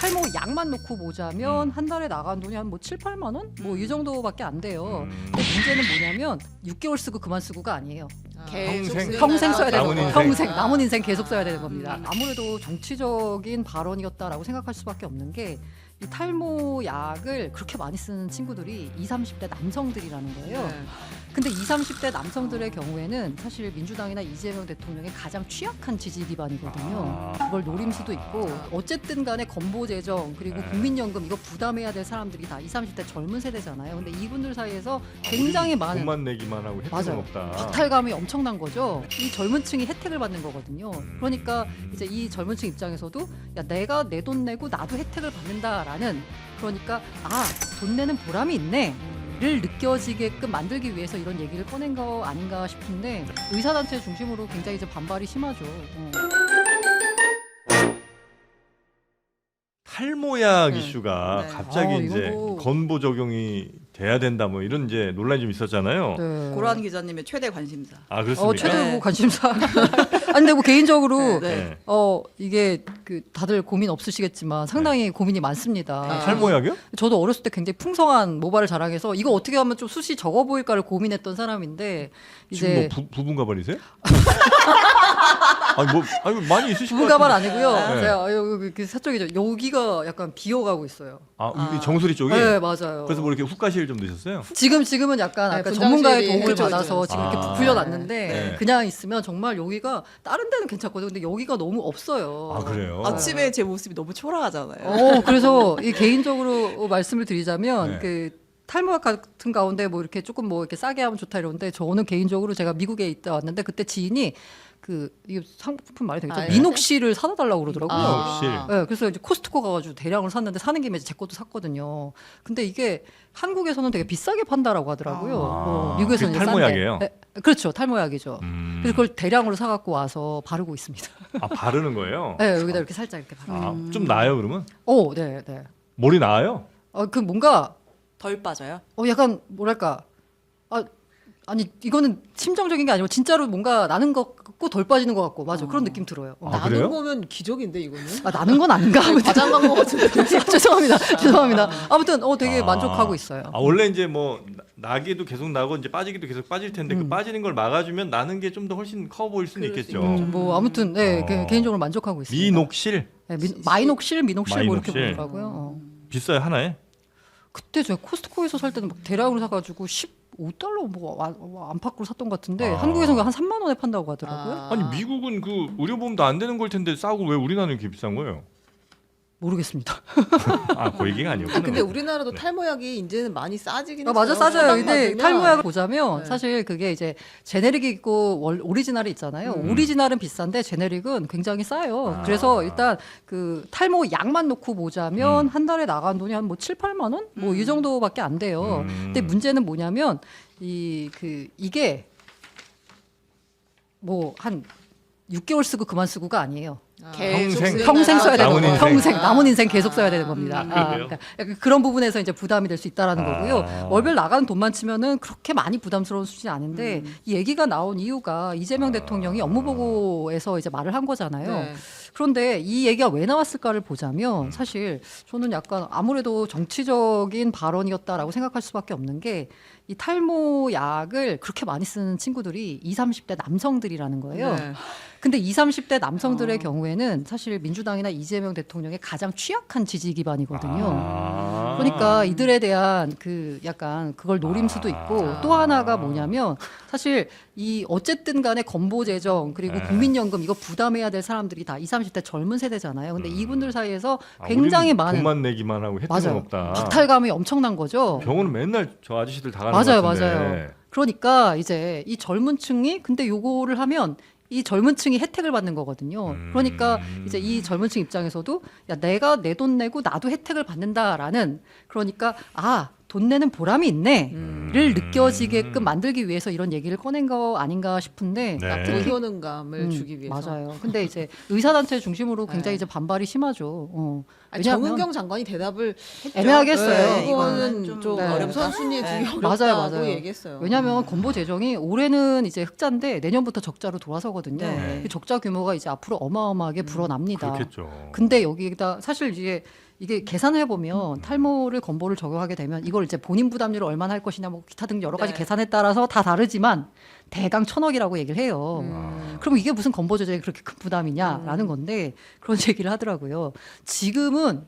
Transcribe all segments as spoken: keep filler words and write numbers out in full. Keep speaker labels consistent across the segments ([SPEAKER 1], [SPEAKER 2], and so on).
[SPEAKER 1] 탈모 약만 놓고 보자면 한 달에 나간 돈이 한 뭐 칠, 팔만 원? 뭐 이 정도밖에 안 돼요.
[SPEAKER 2] 음.
[SPEAKER 1] 근데 문제는 뭐냐면 육 개월 쓰고 그만 쓰고가 아니에요.
[SPEAKER 2] 평생.
[SPEAKER 1] 평생 써야 되는
[SPEAKER 2] 남은
[SPEAKER 1] 거예요.
[SPEAKER 2] 인생.
[SPEAKER 1] 평생 남은 인생 계속 써야 되는 겁니다.
[SPEAKER 3] 음.
[SPEAKER 1] 아무래도 정치적인 발언이었다라고 생각할 수밖에 없는 게 이 탈모 약을 그렇게 많이 쓰는 친구들이 이십, 삼십 대 남성들이라는 거예요.
[SPEAKER 3] 네.
[SPEAKER 1] 근데 이십, 삼십 대 남성들의 경우에는 사실 민주당이나 이재명 대통령의 가장 취약한 지지 기반이거든요.
[SPEAKER 2] 아.
[SPEAKER 1] 그걸 노릴 수도 있고 어쨌든 간에 건보 재정 그리고
[SPEAKER 2] 네.
[SPEAKER 1] 국민연금 이거 부담해야 될 사람들이 다 이십, 삼십 대 젊은 세대잖아요. 근데 이분들 사이에서 굉장히 많은
[SPEAKER 2] 돈만 내기만 하고 혜택은
[SPEAKER 1] 맞아요.
[SPEAKER 2] 없다.
[SPEAKER 1] 박탈감이 엄청난 거죠. 이 젊은 층이 혜택을 받는 거거든요.
[SPEAKER 2] 음.
[SPEAKER 1] 그러니까 이제 이 젊은 층 입장에서도 야 내가 내 돈 내고 나도 혜택을 받는다라는 그러니까 아 돈 내는 보람이 있네. 를 느껴지게끔 만들기 위해서 이런 얘기를 꺼낸 거 아닌가 싶은데 의사단체 중심으로 굉장히 이제 반발이 심하죠. 어.
[SPEAKER 2] 탈모약
[SPEAKER 3] 네.
[SPEAKER 2] 이슈가
[SPEAKER 3] 네.
[SPEAKER 2] 갑자기
[SPEAKER 1] 아, 이거
[SPEAKER 2] 이제
[SPEAKER 1] 뭐-
[SPEAKER 2] 건보 적용이 돼야 된다 뭐 이런 이제 논란이 좀 있었잖아요.
[SPEAKER 1] 네.
[SPEAKER 3] 고란 기자님의 최대 관심사.
[SPEAKER 2] 아 그렇습니까?
[SPEAKER 1] 어 최대
[SPEAKER 3] 네.
[SPEAKER 1] 뭐 관심사. 아니 근데 뭐 개인적으로
[SPEAKER 3] 네.
[SPEAKER 2] 네.
[SPEAKER 1] 어 이게 그 다들 고민 없으시겠지만 상당히 고민이 많습니다.
[SPEAKER 3] 아,
[SPEAKER 2] 탈모약이요?
[SPEAKER 1] 저도 어렸을 때 굉장히 풍성한 모발을 자랑해서 이거 어떻게 하면 좀 숱이 적어 보일까를 고민했던 사람인데
[SPEAKER 2] 지금
[SPEAKER 1] 이제
[SPEAKER 2] 뭐 부, 부분 가발이세요? 아니 뭐 아니 많이 있으실 것
[SPEAKER 1] 부가발
[SPEAKER 2] 같은데.
[SPEAKER 1] 아니고요.
[SPEAKER 2] 네.
[SPEAKER 1] 제가 여기 그 사쪽이죠. 여기가 약간 비어가고 있어요.
[SPEAKER 2] 아,
[SPEAKER 3] 아.
[SPEAKER 2] 이 정수리 쪽이.
[SPEAKER 1] 네 맞아요.
[SPEAKER 2] 그래서 뭐 이렇게 훅가시를 좀 넣으셨어요?
[SPEAKER 1] 지금 지금은 약간
[SPEAKER 3] 네,
[SPEAKER 1] 아까
[SPEAKER 3] 분장실이-
[SPEAKER 1] 전문가의 도움을
[SPEAKER 3] 그쵸, 그쵸,
[SPEAKER 1] 받아서
[SPEAKER 3] 그쵸.
[SPEAKER 1] 지금 이렇게
[SPEAKER 2] 아.
[SPEAKER 1] 부풀려 놨는데
[SPEAKER 2] 네.
[SPEAKER 1] 그냥 있으면 정말 여기가 다른 데는 괜찮거든요. 근데 여기가 너무 없어요.
[SPEAKER 2] 아 그래요?
[SPEAKER 3] 아침에 제 모습이 너무 초라하잖아요.
[SPEAKER 1] 어, 그래서 이 개인적으로 말씀을 드리자면
[SPEAKER 2] 네.
[SPEAKER 1] 그 탈모약 같은 가운데 뭐 이렇게 조금 뭐 이렇게 싸게 하면 좋다 이러는데 저는 개인적으로 제가 미국에 있다 왔는데 그때 지인이 그 이게 상품 말이 되겠죠?
[SPEAKER 3] 아, 네.
[SPEAKER 1] 미녹실을 사다 달라고 그러더라고요.
[SPEAKER 3] 아.
[SPEAKER 2] 미녹실.
[SPEAKER 1] 네, 그래서 이제 코스트코 가가지고 대량으로 샀는데 사는 김에 이제 제 것도 샀거든요. 근데 이게 한국에서는 되게 비싸게 판다라고 하더라고요.
[SPEAKER 2] 아.
[SPEAKER 1] 어, 미국에서는
[SPEAKER 2] 그게
[SPEAKER 1] 이제
[SPEAKER 2] 탈모약이에요?
[SPEAKER 1] 싼데. 네, 그렇죠, 탈모약이죠.
[SPEAKER 2] 음.
[SPEAKER 1] 그래서 그걸 대량으로 사갖고 와서 바르고 있습니다.
[SPEAKER 2] 아 바르는 거예요?
[SPEAKER 1] 네, 여기다 이렇게 살짝 이렇게 바르고.
[SPEAKER 2] 아, 좀 나아요 그러면?
[SPEAKER 1] 오, 네, 네.
[SPEAKER 2] 머리 나아요?
[SPEAKER 1] 어, 그 뭔가
[SPEAKER 3] 덜 빠져요?
[SPEAKER 1] 어 약간 뭐랄까 아 아니 이거는 심정적인 게 아니고 진짜로 뭔가 나는 것 같고 덜 빠지는 것 같고 맞아 그런 느낌 들어요. 어.
[SPEAKER 2] 아, 그래요?
[SPEAKER 4] 나는 거면 기적인데 이거는.
[SPEAKER 1] 아 나는 건 아닌가? 아무튼
[SPEAKER 4] 과장 간거 같은데.
[SPEAKER 1] 죄송합니다. 죄송합니다. 아무튼 어 되게
[SPEAKER 2] 아.
[SPEAKER 1] 만족하고 있어요.
[SPEAKER 2] 아 원래 이제 뭐 나- 나기도 계속 나고 이제 빠지기도 계속 빠질 텐데 그
[SPEAKER 1] 음.
[SPEAKER 2] 빠지는 걸 막아주면 나는 게 좀 더 훨씬 커 보일 수는
[SPEAKER 3] 그럴 수
[SPEAKER 2] 있겠죠.
[SPEAKER 1] 음, 뭐 아무튼 네
[SPEAKER 2] 어.
[SPEAKER 1] 개- 개인적으로 만족하고 있습니다.
[SPEAKER 2] 미녹실
[SPEAKER 1] 네, 미, 마이녹실, 미녹실 뭐 이렇게
[SPEAKER 2] 마이녹실.
[SPEAKER 1] 보더라고요. 어.
[SPEAKER 2] 비싸요 하나에?
[SPEAKER 1] 그때 제가 코스트코에서 살 때는 막 대량으로 사가지고 십오 달러 뭐 안- 안팎으로 샀던 것 같은데
[SPEAKER 2] 아.
[SPEAKER 1] 한국에서는 한 삼만 원에 판다고 하더라고요.
[SPEAKER 3] 아.
[SPEAKER 2] 아니 미국은 그 의료보험도 안 되는 걸 텐데 싸고 왜 우리나라는 이렇게 비싼 거예요?
[SPEAKER 1] 모르겠습니다.
[SPEAKER 2] 아 그 얘기가 아니었구나.
[SPEAKER 4] 근데 우리나라도
[SPEAKER 2] 네.
[SPEAKER 4] 탈모약이 이제는 많이 싸지긴
[SPEAKER 1] 아, 맞아
[SPEAKER 4] 했어요.
[SPEAKER 1] 싸져요. 근데
[SPEAKER 4] 처방
[SPEAKER 1] 탈모약을
[SPEAKER 4] 받으면.
[SPEAKER 1] 보자면
[SPEAKER 4] 네.
[SPEAKER 1] 사실 그게 이제 제네릭이 있고 월, 오리지널이 있잖아요.
[SPEAKER 4] 음.
[SPEAKER 1] 오리지널은 비싼데 제네릭은 굉장히 싸요.
[SPEAKER 2] 아.
[SPEAKER 1] 그래서 일단 그 탈모 약만 놓고 보자면
[SPEAKER 2] 음.
[SPEAKER 1] 한 달에 나간 돈이 한 뭐 칠, 팔만 원? 뭐 이
[SPEAKER 3] 음.
[SPEAKER 1] 정도밖에 안 돼요.
[SPEAKER 2] 음.
[SPEAKER 1] 근데 문제는 뭐냐면 이 그 이게 뭐 한 육 개월 쓰고 그만 쓰고가 아니에요.
[SPEAKER 4] 아.
[SPEAKER 3] 계속
[SPEAKER 2] 평생.
[SPEAKER 3] 쓰는
[SPEAKER 1] 평생 써야 되는
[SPEAKER 2] 남은
[SPEAKER 1] 거예요.
[SPEAKER 2] 인생.
[SPEAKER 1] 평생
[SPEAKER 3] 아.
[SPEAKER 1] 남은 인생 계속 써야 되는 겁니다.
[SPEAKER 3] 음.
[SPEAKER 1] 아,
[SPEAKER 2] 그래요?
[SPEAKER 1] 그러니까 약간 그런 부분에서 이제 부담이 될 수 있다라는
[SPEAKER 2] 아.
[SPEAKER 1] 거고요. 월별 나가는 돈만 치면은 그렇게 많이 부담스러운 수준이 아닌데
[SPEAKER 3] 음.
[SPEAKER 1] 이 얘기가 나온 이유가 이재명
[SPEAKER 2] 아.
[SPEAKER 1] 대통령이 업무보고에서 이제 말을 한 거잖아요.
[SPEAKER 3] 네.
[SPEAKER 1] 그런데 이 얘기가 왜 나왔을까를 보자면 사실 저는 약간 아무래도 정치적인 발언이었다라고 생각할 수밖에 없는 게 이 탈모 약을 그렇게 많이 쓰는 친구들이 이십, 삼십 대 남성들이라는 거예요.
[SPEAKER 3] 네.
[SPEAKER 1] 근데 이십, 삼십 대 남성들의
[SPEAKER 3] 어.
[SPEAKER 1] 경우에는 사실 민주당이나 이재명 대통령의 가장 취약한 지지 기반이거든요.
[SPEAKER 2] 아.
[SPEAKER 1] 그러니까 이들에 대한 그 약간 그걸 노림 수도 있고
[SPEAKER 2] 아.
[SPEAKER 1] 또 하나가 뭐냐면 사실 이 어쨌든 간에 건보 재정 그리고
[SPEAKER 2] 네.
[SPEAKER 1] 국민연금 이거 부담해야 될 사람들이 다 이십, 삼십 대 젊은 세대잖아요. 근데
[SPEAKER 2] 음.
[SPEAKER 1] 이분들 사이에서
[SPEAKER 2] 아,
[SPEAKER 1] 굉장히
[SPEAKER 2] 우리는
[SPEAKER 1] 많은
[SPEAKER 2] 돈만 내기만 하고 혜택은
[SPEAKER 1] 맞아요.
[SPEAKER 2] 없다.
[SPEAKER 1] 박탈감이 엄청난 거죠.
[SPEAKER 2] 병원은 맨날 저 아저씨들 다 가는
[SPEAKER 1] 맞아요,
[SPEAKER 2] 것 같은데.
[SPEAKER 1] 맞아요. 그러니까 이제 이 젊은 층이 근데 요거를 하면 이 젊은 층이 혜택을 받는 거거든요.
[SPEAKER 2] 음.
[SPEAKER 1] 그러니까 이제 이 젊은 층 입장에서도 야 내가 내 돈 내고 나도 혜택을 받는다라는 그러니까 아 돈 내는 보람이 있네.
[SPEAKER 3] 음.
[SPEAKER 1] 를 느껴지게끔 만들기 위해서 이런 얘기를 꺼낸 거 아닌가 싶은데
[SPEAKER 2] 네.
[SPEAKER 4] 돈 효능감을
[SPEAKER 1] 음,
[SPEAKER 4] 주기 위해서.
[SPEAKER 1] 맞아요. 근데 이제 의사단체 중심으로 굉장히
[SPEAKER 4] 네.
[SPEAKER 1] 이제 반발이 심하죠. 어.
[SPEAKER 4] 아니,
[SPEAKER 1] 왜냐하면
[SPEAKER 4] 정은경 장관이 대답을 했죠.
[SPEAKER 1] 애매하게 했어요.
[SPEAKER 4] 네,
[SPEAKER 3] 이거는
[SPEAKER 4] 이거는
[SPEAKER 3] 좀
[SPEAKER 4] 좀
[SPEAKER 1] 네.
[SPEAKER 4] 어렵 선순위에
[SPEAKER 3] 네.
[SPEAKER 4] 두기
[SPEAKER 1] 맞아요,
[SPEAKER 4] 어렵다고
[SPEAKER 1] 맞아요.
[SPEAKER 4] 얘기했어요.
[SPEAKER 1] 왜냐하면 건보 재정이 올해는 이제 흑자인데 내년부터 적자로 돌아서거든요.
[SPEAKER 3] 네.
[SPEAKER 1] 그 적자 규모가 이제 앞으로 어마어마하게 불어납니다.
[SPEAKER 2] 그렇겠죠.
[SPEAKER 1] 근데 여기다 사실 이게 이게 계산을 해보면 탈모를 건보를 적용하게 되면 이걸 이제 본인 부담률을 얼마나 할 것이냐 뭐 기타 등 여러 가지
[SPEAKER 3] 네.
[SPEAKER 1] 계산에 따라서 다 다르지만 대강 천억이라고 얘기를 해요.
[SPEAKER 4] 음.
[SPEAKER 1] 그럼 이게 무슨 건보 재정이 그렇게 큰 부담이냐라는 건데 그런 얘기를 하더라고요. 지금은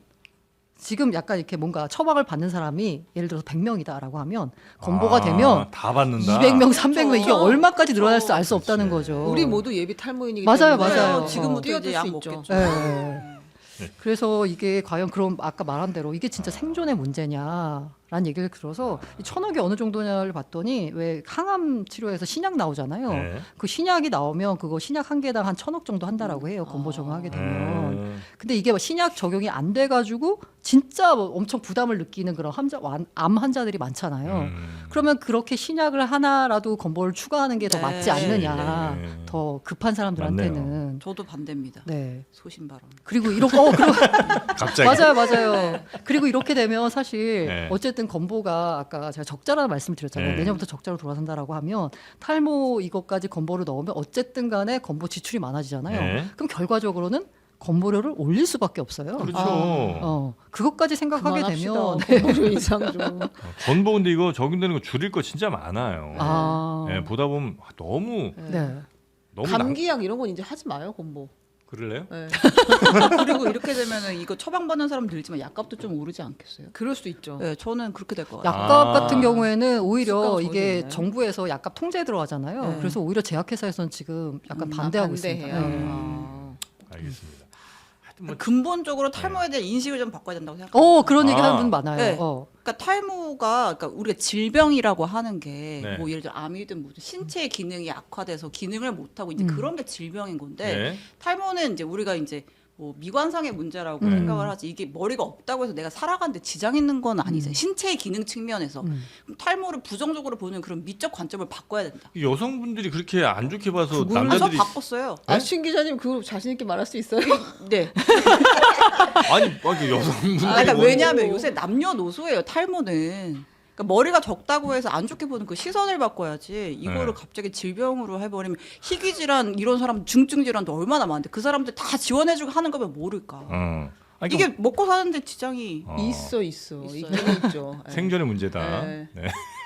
[SPEAKER 1] 지금 약간 이렇게 뭔가 처방을 받는 사람이 예를 들어서 백 명이다라고 하면 건보가
[SPEAKER 2] 아,
[SPEAKER 1] 되면
[SPEAKER 2] 다 받는다.
[SPEAKER 1] 이백 명, 삼백 명 이게
[SPEAKER 3] 그렇죠.
[SPEAKER 1] 얼마까지 늘어날지 알 수
[SPEAKER 2] 그렇지.
[SPEAKER 1] 없다는 거죠.
[SPEAKER 4] 우리 모두 예비 탈모인이기
[SPEAKER 1] 맞아요,
[SPEAKER 4] 때문에
[SPEAKER 1] 맞아요.
[SPEAKER 3] 지금부터
[SPEAKER 4] 뛰어들
[SPEAKER 3] 이제
[SPEAKER 4] 수
[SPEAKER 3] 약
[SPEAKER 4] 있죠.
[SPEAKER 3] 먹겠죠.
[SPEAKER 1] 예.
[SPEAKER 2] 네.
[SPEAKER 1] 그래서 이게 과연 그럼 아까 말한 대로 이게 진짜 생존의 문제냐라는 얘기를 들어서 이 천억이 어느 정도냐를 봤더니 왜 항암 치료에서 신약 나오잖아요.
[SPEAKER 2] 네.
[SPEAKER 1] 그 신약이 나오면 그거 신약 한 개당 한 천억 정도 한다라고 해요. 건보 적용하게 되면.
[SPEAKER 2] 음.
[SPEAKER 1] 근데 이게 뭐 신약 적용이 안 돼가지고 진짜 뭐 엄청 부담을 느끼는 그런 환자, 완- 암 환자들이 많잖아요.
[SPEAKER 2] 음.
[SPEAKER 1] 그러면 그렇게 신약을 하나라도 건보를 추가하는 게 더
[SPEAKER 3] 네.
[SPEAKER 1] 맞지 않느냐.
[SPEAKER 2] 네.
[SPEAKER 1] 더 급한 사람들한테는.
[SPEAKER 3] 저도 반대입니다.
[SPEAKER 1] 네.
[SPEAKER 3] 소신발언.
[SPEAKER 1] 그리고 이런 거, 어, 그리고
[SPEAKER 2] 갑자기.
[SPEAKER 1] 맞아요, 맞아요. 그리고 이렇게 되면 사실
[SPEAKER 2] 네.
[SPEAKER 1] 어쨌든 건보가 아까 제가 적자라는 말씀을 드렸잖아요.
[SPEAKER 2] 네.
[SPEAKER 1] 내년부터 적자로 돌아선다라고 하면 탈모 이것까지 건보를 넣으면 어쨌든 간에 건보 지출이 많아지잖아요.
[SPEAKER 2] 네.
[SPEAKER 1] 그럼 결과적으로는 건보료를 올릴 수밖에 없어요.
[SPEAKER 2] 그렇죠.
[SPEAKER 1] 어, 그것까지 생각하게 되면
[SPEAKER 4] 건보료 인상 좀.
[SPEAKER 2] 건보 근데 이거 적용되는 거 줄일 거 진짜 많아요.
[SPEAKER 1] 아,
[SPEAKER 2] 네, 보다 보면 너무
[SPEAKER 1] 네.
[SPEAKER 2] 너무 남...
[SPEAKER 4] 감기약 이런 건 이제 하지 마요 건보.
[SPEAKER 2] 그럴래요?
[SPEAKER 4] 네.
[SPEAKER 3] 그리고 이렇게 되면은 이거 처방받는 사람 늘지만 약값도 좀 오르지 않겠어요?
[SPEAKER 4] 그럴 수도 있죠.
[SPEAKER 3] 네, 저는 그렇게 될 것 같아요.
[SPEAKER 1] 약값
[SPEAKER 2] 아.
[SPEAKER 1] 같은 경우에는 오히려
[SPEAKER 4] 수가가
[SPEAKER 1] 이게
[SPEAKER 4] 적어지네.
[SPEAKER 1] 정부에서 약값 통제에 들어가잖아요.
[SPEAKER 3] 네.
[SPEAKER 1] 그래서 오히려 제약회사에서는 지금 약간
[SPEAKER 3] 음,
[SPEAKER 1] 반대하고
[SPEAKER 4] 반대해요.
[SPEAKER 1] 있습니다. 네.
[SPEAKER 4] 아.
[SPEAKER 2] 알겠습니다. 하여튼 뭐
[SPEAKER 3] 근본적으로 탈모에 대한 인식을 좀 바꿔야 된다고 생각해요.
[SPEAKER 1] 어, 그런 얘기
[SPEAKER 2] 아.
[SPEAKER 1] 하는 분 많아요.
[SPEAKER 3] 네.
[SPEAKER 1] 어.
[SPEAKER 3] 그러니까 탈모가 그러니까 우리가 질병이라고 하는 게 뭐
[SPEAKER 2] 네.
[SPEAKER 3] 예를 들어 암이든 뭐든 신체의 기능이 악화돼서 기능을 못 하고 이제
[SPEAKER 1] 음.
[SPEAKER 3] 그런 게 질병인 건데
[SPEAKER 2] 네.
[SPEAKER 3] 탈모는 이제 우리가 이제 뭐 미관상의 문제라고
[SPEAKER 1] 음.
[SPEAKER 3] 생각을 하지 이게 머리가 없다고 해서 내가 살아가는데 지장 있는 건 아니잖아요.
[SPEAKER 1] 음.
[SPEAKER 3] 신체의 기능 측면에서
[SPEAKER 1] 음.
[SPEAKER 3] 그럼 탈모를 부정적으로 보는 그런 미적 관점을 바꿔야 된다.
[SPEAKER 2] 여성분들이 그렇게 안 좋게 봐서
[SPEAKER 4] 그거를
[SPEAKER 3] 아, 저
[SPEAKER 2] 남자들이
[SPEAKER 3] 바꿨어요.
[SPEAKER 4] 아, 신 기자님 그거 자신 있게 말할 수 있어요?
[SPEAKER 3] 네.
[SPEAKER 2] 아니, 아니 여성분들이
[SPEAKER 3] 아, 그러니까
[SPEAKER 2] 뭐-
[SPEAKER 3] 왜냐하면 요새 남녀노소예요 탈모는. 그러니까 머리가 적다고 해서 안 좋게 보는 그 시선을 바꿔야지 이거를
[SPEAKER 2] 네.
[SPEAKER 3] 갑자기 질병으로 해버리면 희귀 질환 이런 사람 중증 질환도 얼마나 많은데 그 사람들 다 지원해주고 하는 거면 모를까.
[SPEAKER 2] 어. 아니,
[SPEAKER 3] 이게 먹고 사는데 지장이
[SPEAKER 2] 어.
[SPEAKER 4] 있어 있어.
[SPEAKER 3] 있어요.
[SPEAKER 4] 있긴 있죠. 네.
[SPEAKER 2] 생존의 문제다.
[SPEAKER 4] 네.
[SPEAKER 2] 네.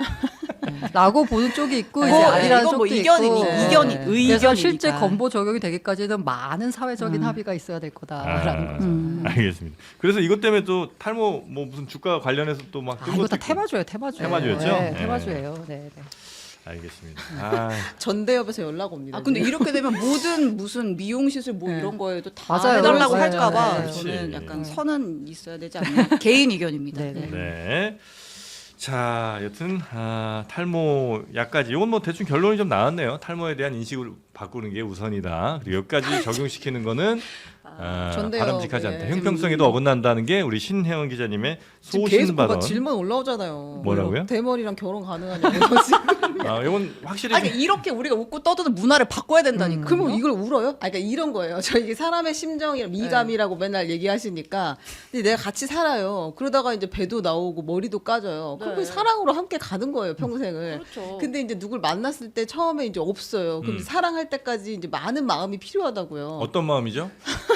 [SPEAKER 1] 라고 보는 쪽이 있고
[SPEAKER 4] 네.
[SPEAKER 1] 이제
[SPEAKER 4] 뭐,
[SPEAKER 1] 아니라는
[SPEAKER 3] 이건
[SPEAKER 1] 쪽도
[SPEAKER 3] 뭐 이견이니
[SPEAKER 1] 있고.
[SPEAKER 4] 네.
[SPEAKER 3] 이견이
[SPEAKER 4] 그래서
[SPEAKER 3] 의견이니까.
[SPEAKER 1] 그래서 실제 건보 적용이 되기까지는 많은 사회적인
[SPEAKER 3] 음.
[SPEAKER 1] 합의가 있어야 될 거다라는
[SPEAKER 2] 아,
[SPEAKER 1] 거죠.
[SPEAKER 3] 음.
[SPEAKER 2] 알겠습니다. 그래서 이것 때문에 또 탈모 뭐 무슨 주가 관련해서 또막
[SPEAKER 1] 아, 이거 다 테마주예요, 테마주.
[SPEAKER 2] 테마주였죠?
[SPEAKER 1] 네,
[SPEAKER 2] 네.
[SPEAKER 1] 테마주예요. 네, 네.
[SPEAKER 2] 알겠습니다. 아,
[SPEAKER 4] 전대협에서 연락 옵니다.
[SPEAKER 3] 아 근데
[SPEAKER 4] 이제.
[SPEAKER 3] 이렇게 되면 모든 무슨 미용 시술 뭐
[SPEAKER 4] 네.
[SPEAKER 3] 이런 거에도 다
[SPEAKER 1] 맞아요.
[SPEAKER 3] 해달라고
[SPEAKER 1] 맞아요.
[SPEAKER 3] 할까봐
[SPEAKER 1] 네.
[SPEAKER 3] 저는
[SPEAKER 2] 그렇지.
[SPEAKER 3] 약간 선은 있어야 되지 않나 개인 의견입니다.
[SPEAKER 1] 네, 네.
[SPEAKER 2] 네. 자, 여튼 아, 탈모 약까지 이건 뭐 대충 결론이 좀 나왔네요. 탈모에 대한 인식을 바꾸는 게 우선이다. 그리고 여기까지 적용시키는 거는 아,
[SPEAKER 4] 전데요.
[SPEAKER 2] 바람직하지 않다.
[SPEAKER 4] 네.
[SPEAKER 2] 형평성에도 어긋난다는 게 우리 신혜원 기자님의
[SPEAKER 4] 지금 계속
[SPEAKER 2] 소신
[SPEAKER 4] 뭔가
[SPEAKER 2] 발언.
[SPEAKER 4] 질문 올라오잖아요.
[SPEAKER 2] 뭐라고요?
[SPEAKER 4] 대머리랑 결혼 가능하냐고. 지금.
[SPEAKER 2] 아, 이건 확실히
[SPEAKER 3] 아니
[SPEAKER 2] 좀-
[SPEAKER 3] 이렇게 우리가 웃고 떠드는 문화를 바꿔야 된다니까.
[SPEAKER 1] 음.
[SPEAKER 4] 그러면 이걸 울어요? 아, 그러니까 이런 거예요. 저 이게 사람의 심정이랑 미감이라고 맨날 얘기하시니까, 근데 내가 같이 살아요. 그러다가 이제 배도 나오고 머리도 까져요. 그럼
[SPEAKER 3] 네.
[SPEAKER 4] 그 사랑으로 함께 가는 거예요, 평생을.
[SPEAKER 3] 그렇죠.
[SPEAKER 4] 근데 이제 누굴 만났을 때 처음에 이제 없어요. 그럼
[SPEAKER 2] 음.
[SPEAKER 4] 사랑할 때까지 이제 많은 마음이 필요하다고요.
[SPEAKER 2] 어떤 마음이죠?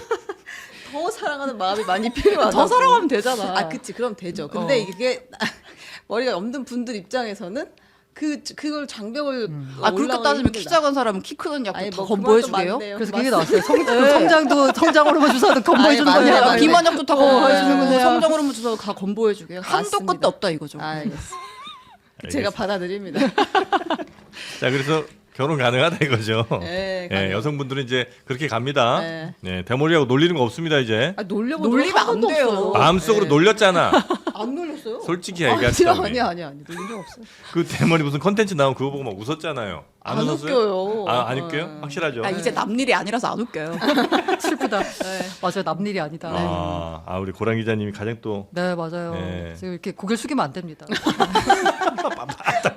[SPEAKER 4] 더 사랑하는 마음이 많이 필요하다.
[SPEAKER 3] 더 사랑하면 되잖아.
[SPEAKER 4] 아, 그치. 그럼 되죠. 근데
[SPEAKER 3] 어.
[SPEAKER 4] 이게 머리가 없는 분들 입장에서는 그 그걸 장벽을
[SPEAKER 3] 아 그렇게
[SPEAKER 4] 올라가기
[SPEAKER 3] 따지면 키
[SPEAKER 4] 힘들다.
[SPEAKER 3] 작은 사람은 키 크는 약도
[SPEAKER 4] 아니,
[SPEAKER 3] 다
[SPEAKER 4] 뭐
[SPEAKER 3] 건보해주게요.
[SPEAKER 4] 그만도
[SPEAKER 1] 그래서
[SPEAKER 4] 맞네요.
[SPEAKER 1] 그게 나왔어요. 성, 성장도 성장 호르몬 주사도 건보해 주는
[SPEAKER 4] 아니, 맞아요,
[SPEAKER 1] 거냐.
[SPEAKER 4] 맞아요.
[SPEAKER 3] 비만 약도 다
[SPEAKER 1] 어,
[SPEAKER 3] 건보해주는
[SPEAKER 1] 네.
[SPEAKER 3] 거예요. 성장 호르몬 주사도 다 건보해주게요. 한도
[SPEAKER 4] 맞습니다.
[SPEAKER 3] 끝도 없다 이거죠.
[SPEAKER 4] 알겠어. 제가 받아들입니다.
[SPEAKER 2] 자, 그래서 결혼 가능하다 이거죠.
[SPEAKER 4] 네,
[SPEAKER 2] 예,
[SPEAKER 4] 가능해요.
[SPEAKER 2] 여성분들은 이제 그렇게 갑니다.
[SPEAKER 4] 네.
[SPEAKER 2] 네, 대머리하고 놀리는 거 없습니다 이제.
[SPEAKER 4] 아, 놀려본
[SPEAKER 3] 놀리면
[SPEAKER 4] 적한
[SPEAKER 3] 안
[SPEAKER 4] 번도
[SPEAKER 3] 돼요.
[SPEAKER 4] 없어요.
[SPEAKER 2] 마음속으로
[SPEAKER 4] 네.
[SPEAKER 2] 놀렸잖아.
[SPEAKER 4] 안 놀렸어요.
[SPEAKER 2] 솔직히
[SPEAKER 4] 아니,
[SPEAKER 2] 얘기합시다. 우리.
[SPEAKER 4] 아니 아니 아니 놀린 적 없어요.
[SPEAKER 2] 그 대머리 무슨 컨텐츠 나오면 그거 보고 막 웃었잖아요. 안,
[SPEAKER 4] 안
[SPEAKER 2] 웃었어요?
[SPEAKER 4] 웃겨요.
[SPEAKER 2] 아, 안 웃겨요?
[SPEAKER 4] 네.
[SPEAKER 2] 확실하죠?
[SPEAKER 3] 아 이제 남 일이 아니라서 안 웃겨요.
[SPEAKER 1] 슬프다.
[SPEAKER 3] 네.
[SPEAKER 1] 맞아요. 남일이 아니다.
[SPEAKER 2] 아, 아, 우리 고랑 기자님이 가장 또
[SPEAKER 1] 네, 맞아요.
[SPEAKER 2] 네.
[SPEAKER 1] 지금 이렇게 고개를 숙이면 안 됩니다.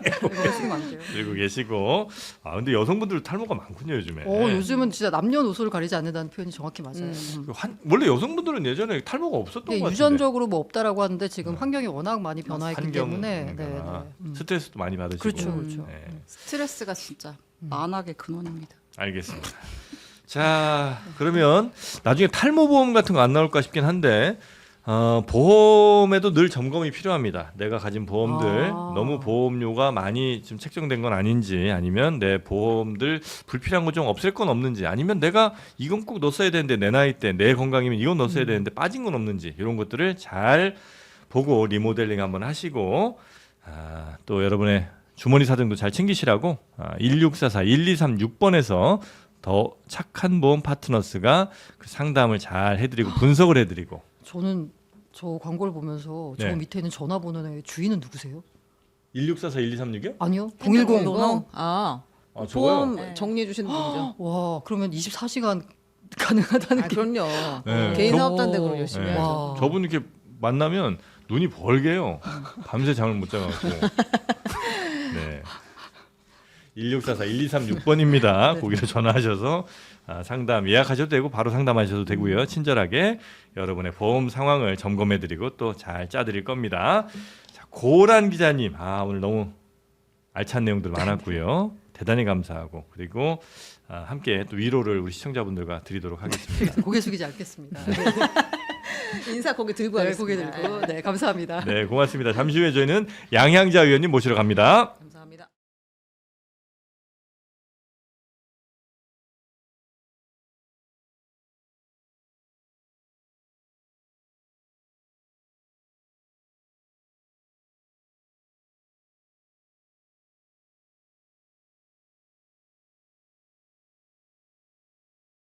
[SPEAKER 1] 그러시면 안 돼요.
[SPEAKER 2] 들고 계시고. 아 근데 여성분들 탈모가 많군요 요즘에.
[SPEAKER 1] 어, 요즘은 진짜 남녀노소를 가리지 않는다는 표현이 정확히 맞아요.
[SPEAKER 4] 음.
[SPEAKER 1] 음.
[SPEAKER 2] 한, 원래 여성분들은 예전에 탈모가 없었던 것
[SPEAKER 1] 이게
[SPEAKER 2] 같은데.
[SPEAKER 1] 유전적으로 뭐 없다라고 하는데 지금
[SPEAKER 2] 네.
[SPEAKER 1] 환경이 워낙 많이 변화했기 때문에 네, 네.
[SPEAKER 2] 환경이구나.
[SPEAKER 1] 음.
[SPEAKER 2] 스트레스도 많이 받으시고.
[SPEAKER 1] 그렇죠,
[SPEAKER 3] 음.
[SPEAKER 1] 그렇죠.
[SPEAKER 2] 네.
[SPEAKER 3] 스트레스가 진짜
[SPEAKER 1] 음.
[SPEAKER 3] 만악의 근원입니다.
[SPEAKER 2] 알겠습니다. 자, 그러면 나중에 탈모 보험 같은 거 안 나올까 싶긴 한데 어, 보험에도 늘 점검이 필요합니다. 내가 가진 보험들
[SPEAKER 1] 아.
[SPEAKER 2] 너무 보험료가 많이 좀 책정된 건 아닌지, 아니면 내 보험들 불필요한 거 좀 없앨 건 없는지, 아니면 내가 이건 꼭 넣었어야 되는데 내 나이 때 내 건강이면 이건 넣었어야
[SPEAKER 1] 음.
[SPEAKER 2] 되는데 빠진 건 없는지, 이런 것들을 잘 보고 리모델링 한번 하시고, 아, 또 여러분의 주머니 사정도 잘 챙기시라고 아, 일육사사 일이삼육 번에서 더 착한 보험 파트너스가 그 상담을 잘 해드리고 분석을 해드리고.
[SPEAKER 1] 저는 저 광고를 보면서 저
[SPEAKER 2] 네.
[SPEAKER 1] 밑에 있는 전화번호의 주인은 누구세요?
[SPEAKER 2] 일육사사 일이삼육이요?
[SPEAKER 1] 아니요.
[SPEAKER 3] 핸드폰
[SPEAKER 1] 공일공.
[SPEAKER 3] 번호?
[SPEAKER 4] 아,
[SPEAKER 2] 아,
[SPEAKER 4] 보험
[SPEAKER 3] 네.
[SPEAKER 4] 정리해 주시는 분이죠.
[SPEAKER 1] 와, 그러면 이십사 시간 가능하다는
[SPEAKER 4] 아,
[SPEAKER 1] 게.
[SPEAKER 4] 그럼요.
[SPEAKER 2] 네.
[SPEAKER 4] 개인
[SPEAKER 2] 저-
[SPEAKER 4] 사업자인데 그걸 열심히
[SPEAKER 2] 네.
[SPEAKER 4] 해야죠.
[SPEAKER 1] 와.
[SPEAKER 2] 저분 이렇게 만나면 눈이 벌게요. 밤새 잠을 못 자가지고. 네. 일육사사 일이삼육 번입니다. 거기로 전화하셔서 아, 상담 예약하셔도 되고 바로 상담하셔도 되고요. 친절하게 여러분의 보험 상황을 점검해드리고 또 잘 짜드릴 겁니다. 자, 고란 기자님, 아 오늘 너무 알찬 내용들 많았고요. 대단히 감사하고, 그리고 아, 함께 또 위로를 우리 시청자분들과 드리도록 하겠습니다.
[SPEAKER 1] 고개 숙이지 않겠습니다.
[SPEAKER 4] 인사 거기 들고
[SPEAKER 1] 네,
[SPEAKER 4] 하겠습니다.
[SPEAKER 1] 고개 들고. 네, 감사합니다.
[SPEAKER 2] 네, 고맙습니다. 잠시 후에 저희는 양향자 의원님 모시러 갑니다.